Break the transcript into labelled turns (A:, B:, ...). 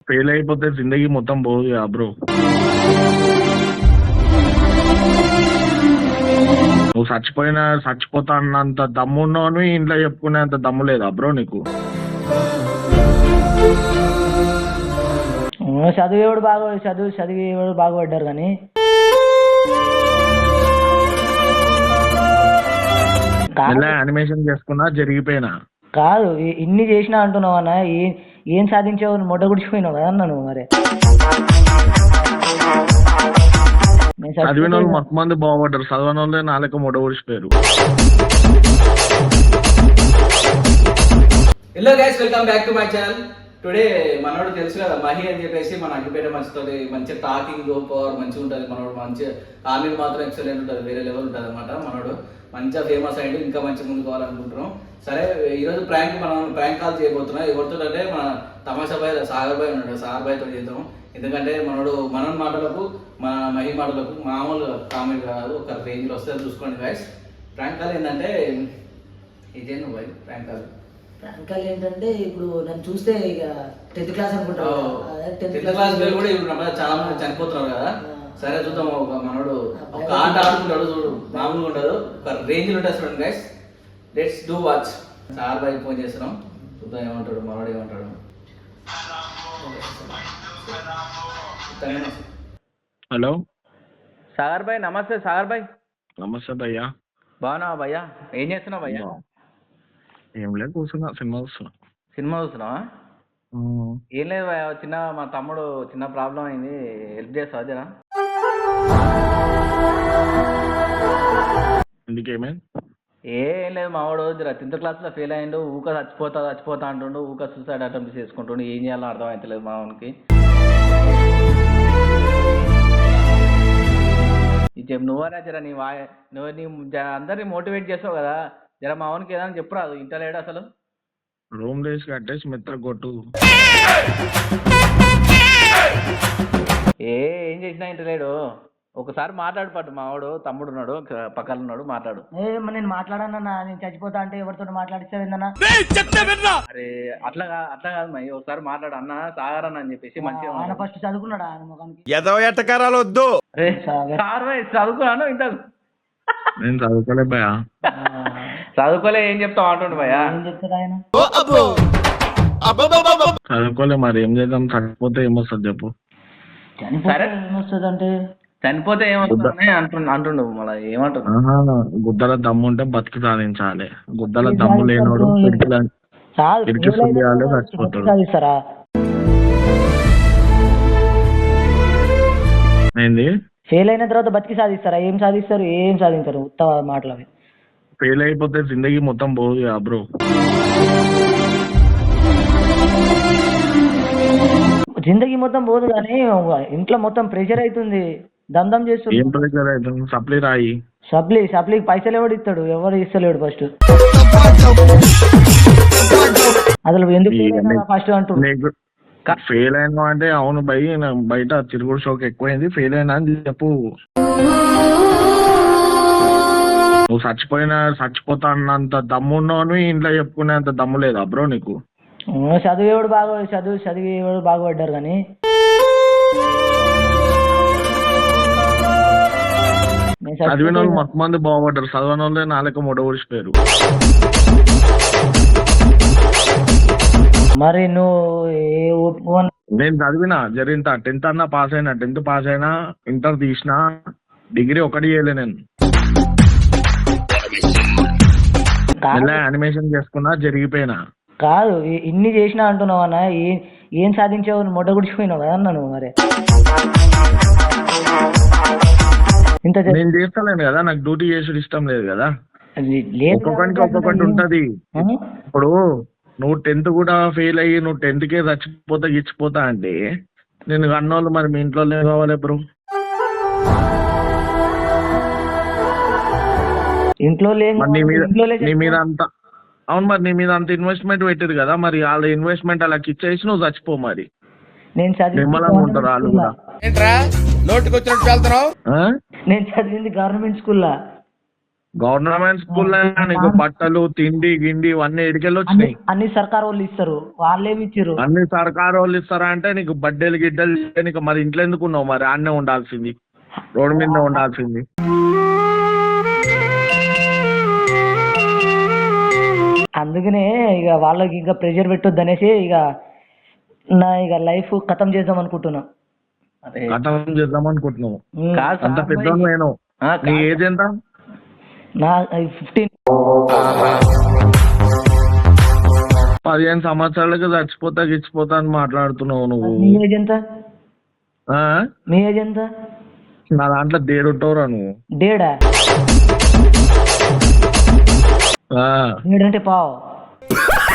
A: Fail అయిపోతే జిందగీ మొత్తం పోదు కదా బ్రో. నువ్వు చచ్చిపోతా అన్నంత దమ్ము ఉన్నావు, ఇంట్లో చెప్పుకునేంత దమ్ము లేదా బ్రో నీకు?
B: చదివేవాడు బాగా చదివేవాడు బాగుపడ్డారు కానీ
A: యానిమేషన్ చేసుకున్నా జరిగిపోయినా
B: కాదు. ఇన్ని చేసినా అంటున్నావు అన్న, ఏం సాధించావు? మొట్ట గుడిచిపోయినావు కదా అన్న నువ్వు. మరి
A: చదివిన వాళ్ళు మొత్తం మంది బాగుపడ్డారు, చదవని వాళ్ళే నాలుక మొట్ట గుడిచిపోయారు.
C: Hello guys, welcome back to my channel. Today మనోడు తెలుసు కదా మహి అని చెప్పేసి మన అగ్గిపేట మంచితోటి మంచి టాకింగ్ పవర్ మంచిగా ఉంటుంది. మనోడు మంచిగా కామెడీ మాత్రం ఎక్సలెంట్ ఉంటుంది, వేరే లెవెల్ ఉంటుంది అనమాట. మనోడు మంచిగా ఫేమస్ అయ్యింది, ఇంకా మంచి ముందు కావాలనుకుంటున్నాం. సరే, ఈరోజు మనం ప్రాంక్ కాల్ చేయబోతున్నాం. ఎవరితో అంటే మన తమాషా బాయ్ సాగర్ బాయ్ ఉన్నాడు, సాగర్ బాయ్తో చేద్దాం. ఎందుకంటే మన మాటలకు మన మహి మాటలకు మామూలు కామెడీ కాదు, ఒక రేంజ్లో వస్తుంది. చూసుకోండి గైస్. ప్రాంక్ కాల్ ఏంటంటే ఇదే నువ్వు బాయ్ ప్రాంక్ కాల్.
B: ప్రాంకాలు ఏంటంటే ఇప్పుడు నన్ను చూస్తే ఇక 10th క్లాస్ అనుకుంటావు.
C: 10th క్లాస్ పిల్లలు కూడా ఇప్పుడు చాలా మంది చనిపోతున్నారు కదా. సరే చూద్దాం, ఒక మనోడు ఒక ఆట ఆడుకుంటాడు చూడు, మామూలుగా ఉంటాడు, ఒక రేంజ్ ఉంటుంది చూడండి guys. Let's do watch. Sir boy phone చేస్తున్నాం, చూద్దాం ఏమంటాడు మనోడు ఏమంటాడు.
A: హలో
D: సాగర్ భాయ్, నమస్తే సాగర్ భాయ్.
A: నమస్తే భయ్యా.
D: బాగున్నావా భయ్యా? ఏం చేస్తున్నావు భయ్యా?
A: ఏం లేదు, కూర్చున్నా, సినిమా చూస్తున్నా.
D: సినిమా చూస్తున్నావా? ఏం లేదు భయ్యా, మా తమ్ముడు చిన్న ప్రాబ్లం అయింది, హెల్ప్ చేస్తావా జరా?
A: ఎందుకేమైంది?
D: ఏం లేదు, మావాడు జర 10th క్లాస్లో ఫెయిల్ అయ్యిండు, చచ్చిపోతా అంటుండు, సూసైడ్ అటెంప్ట్ చేసుకుంటుండు. ఏం చేయాలో అర్థం అవుతలేదు మావానికి. నువ్వరా జర నువ్వు అందరినీ మోటివేట్ చేస్తావు కదా, జర మావానికి ఏదైనా చెప్పురాదు, ఇంటలేడు అసలు.
A: రూమ్ డేస్ కట్టేసి మెత్త కొట్టు.
D: ఏం చేసినా ఇంటలేడు. ఒకసారి మాట్లాడు పట్టు, మావాడు తమ్ముడు ఉన్నాడు పక్కన ఉన్నాడు, మాట్లాడు.
B: నేను మాట్లాడానన్నా, నేను చచ్చిపోతా అంటే ఎవరితో మాట్లాడిస్తావేందన్నా?
D: అరే అట్లా కాదు మై, ఒకసారి మాట్లాడు అన్న, సాగర్ అన్న అని చెప్పేసి మంచిగా.
B: ఆయన ఫస్ట్ చదువుకున్నాడా ఆయన ముఖానికి?
A: వద్దు.
D: చదువుకున్నాను ఇంత.
A: నేను చదువుకోలే భయ్యా.
D: చదువుకోలే ఏం చెప్తావు అంటుండు భయ్యా.
B: ఏం చెప్తాడు ఆయన?
A: చదువుకోలే, మరి ఏం చేద్దాం? చచ్చిపోతే ఏమొస్తుంది చెప్పు.
D: సరే
B: ఏమొస్తుంది అంటే
D: చనిపోతే ఏమవుతుందని అంటుండు. మళ్ళీ ఏమంటున్నా,
A: గుద్దల దమ్ము ఉంటే బతికి సాధించాలి, గుద్దల దమ్ము లేనోడు ఇరికి సుల్లియాలి, చచ్చిపోతాడు.
B: సాధిస్తారా?
A: ఏంది?
B: ఫెయిల్ అయిన తర్వాత బతికి సాధిస్తారా? ఏం సాధిస్తారు? ఏం సాధించరు, ఉత్త మాటలు అవి.
A: ఫెయిల్ అయిపోతే జిందగీ మొత్తం పోదు కదా బ్రో.
B: జిందగీ మొత్తం పోదు కానీ ఇంట్లో మొత్తం ప్రెషర్ అవుతుంది, దందం చేస్తుంది.
A: ఏం ప్రెషర్ అవుతుంది? సప్లీ రాయి.
B: సప్లీకి పైసలు ఎవడు ఇస్తాడు? ఎవరు ఇస్తలేడు ఫస్ట్. అసలు ఎందుకు ఫస్ట్ అంటున్నాడు.
A: ఫెయిల్ అయినా అంటే అవును బయట తిరుగుడు షోక్ ఎక్కువైంది, ఫెయిల్ అయినా అని చెప్పు. నువ్వు చచ్చిపోతా అన్నంత దమ్ము ఉన్నావు, ఇంట్లో చెప్పుకునేంత దమ్ము లేదా బ్రో నీకు?
B: చదివేవాడు బాగుపడ్డారు కానీ
A: చదివిన వాళ్ళు మొత్తం మంది బాగుపడ్డారు, చదవని వాళ్ళే నాలుక మొట్ట గుడిచిపోయారు.
B: మరి నువ్వు
A: నేను చదివినా జరిగింత 10th అన్నా పాస్ అయినా, 10th పాస్ అయినా, ఇంటర్ తీసినా, డిగ్రీ ఒకటి చేయలే నేను. యానిమేషన్ చేసుకున్నా జరిగిపోయినా
B: కాదు. ఇన్ని చేసినా అంటున్నావు అన్న, ఏం సాధించావు? మొట్ట గుడిచిపోయినావు కదా అన్న నువ్వు. మరి ఇంత
A: నేను చేస్తలేను కదా, నాకు డ్యూటీ చేసుడు ఇష్టం లేదు కదా. ఒక్కొక్కరికి ఒక్కొక్కటి ఉంటది. ఇప్పుడు నువ్వు 10th కూడా ఫెయిల్ అయ్యి నువ్వు 10th కే గిచ్చిపోతా అంటే నేను అన్నోళ్ళు మరి మీ ఇంట్లో కావాలి బ్రో.
B: ఇంట్లో
A: నీ మీద అంత అవును, మరి నీ మీద అంత ఇన్వెస్ట్మెంట్ పెట్టారు కదా, మరి వాళ్ళ ఇన్వెస్ట్మెంట్ అలా ఇచ్చేసి నువ్వు చచ్చిపో. మరి
B: నేను
A: ఉంటారు వాళ్ళు కూడా.
B: చదివింది గవర్నమెంట్ స్కూల్లో.
A: గవర్నమెంట్ స్కూల్లో నీకు బట్టలు తిండి గిండి ఇవన్నీ ఎడికెళ్ళి వచ్చినాయి.
B: అన్ని సర్కార్ వాళ్ళు ఇస్తారు, వాళ్ళేమి ఇచ్చారు?
A: అన్ని సర్కారు వాళ్ళు ఇస్తారా అంటే నీకు బడ్డేలు గిడ్డలు నీకు మరి ఇంట్లో ఎందుకు ఉన్నావు? మరి ఆడనే ఉండాల్సింది, రోడ్డు మీద ఉండాల్సింది.
B: అందుకనే ఇక వాళ్ళకి ఇంకా ప్రెషర్ పెట్టొద్దు అనేసి ఇక లైఫ్ ఖతం చేద్దాం అనుకుంటున్నా.
A: కథం చేద్దాం అనుకుంటున్నావు?
D: కాదు
A: అంత పెద్ద నేను. నీ ఏజ్ ఎంత?
B: నా 15.
A: 15 సంవత్సరాలకి చచ్చిపోతా గిచ్చిపోతా అని మాట్లాడుతున్నావు నువ్వు.
B: మీ ఏజ్ ఎంత?
A: ఆ?
B: మీ ఏజ్ ఎంత?
A: నా దాంట్లో దేడుంటావురా నువ్వు.
B: డేడా?
A: ఆ.
B: డేడంటే పావు.